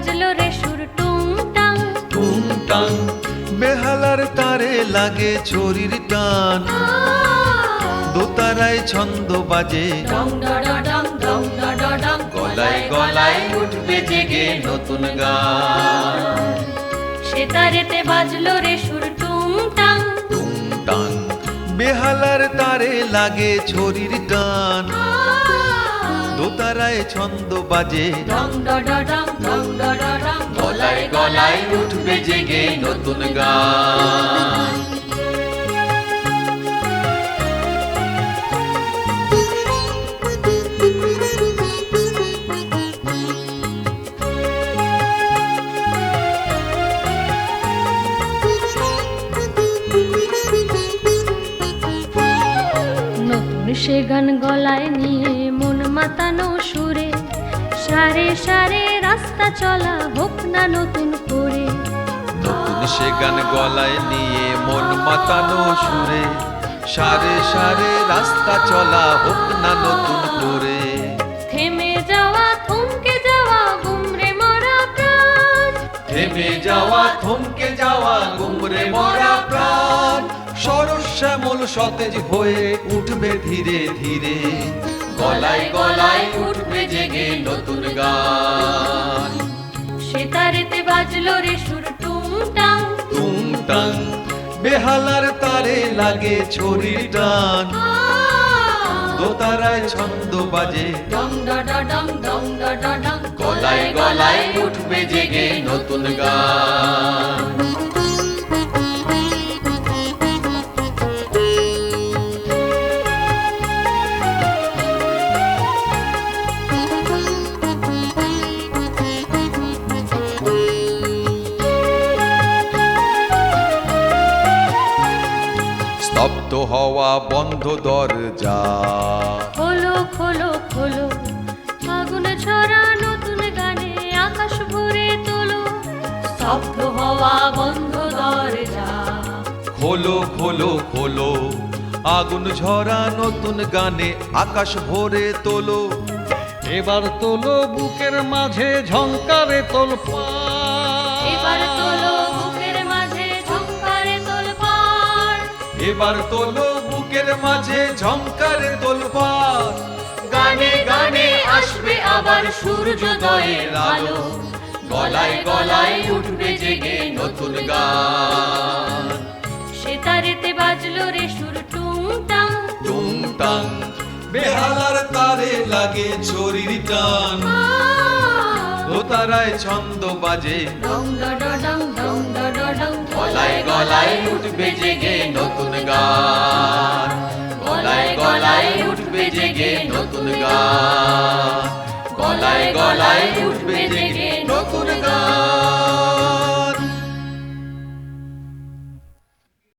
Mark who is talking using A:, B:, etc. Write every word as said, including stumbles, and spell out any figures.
A: বাজলো রে সুর টুংটাং
B: টুংটাং বেহালার তারে লাগে ছড়ির টান দোতারায় ছন্দ বাজে
A: ডং ডডডং ডং ডডডং
B: গলায় গলায় উঠবে জেগে নতুন গান
A: সেতারেতে বাজলো রে সুর টুংটাং
B: টুংটাং বেহালার তারে লাগে ছড়ির টান দোতারায় ছন্দ বাজে
A: ডং ডডডং ডং ডডডং
B: গলায় গলায় উঠবে জেগে নতুন গান
A: নতুন সে গান গলায় নিয়ে মন মাতানো সুরে সারে সারে রাস্তা চলা হোক না নতুন করে
B: নতুন সে গান গলায় নিয়ে মন মাতানো সুরে সারে সারে রাস্তা চলা হোক না নতুন করে
A: থেমে যাওয়া থমকে যাওয়া গুমরে মরা প্রাণ
B: থেমে যাওয়া থমকে যাওয়া গুমরে মরা প্রাণ সরস শ্যামল সতেজ হয়ে উঠবে ধীরে ধীরে গলায় গলায় উঠবে জেগে নতুন গান
A: সেতারেতে বাজলো রে সুর টুংটাং
B: টুংটাং বেহালার তারে লাগে ছড়ির টান দোতারায় ছন্দ বাজে
A: ডং ডডডং ডং ডডডং
B: গলায় গলায় উঠবে জেগে নতুন গান স্তব্ধ হওয়া বন্ধ দরজা
A: খোলো খোলো খোলো আগুনে ছড়া নতুন গানে আকাশ ভরে তোলো স্তব্ধ হওয়া বন্ধ দরজা
B: খোলো খোলো খোলো আগুন ঝরা নতুন গানে আকাশ ভরে তোলো
C: এবার তোলো বুকের মাঝে ঝংকারে তোল
A: এবার তোলো বুকের মাঝে ঝংকারে তোলপাড়
B: এবার তোলো বুকের মাঝে ঝংকারে তোলপাড় গানে গানে আসবে আবার সূর্যোদয়ের আলো গলায় গলায় উঠবে জেগে নতুন গান
A: সেতারেতে বাজলো রে সুর টুংটাং
B: টুংটাং বেহালার তারে লাগে ছড়ির টান দোতারায় ছন্দ বাজে
A: ডং ডডডং ডং ডডডং
B: গলায় গলায় উঠবে জেগে নতুন গান গলায় গলায় উঠবে জেগে নতুন গান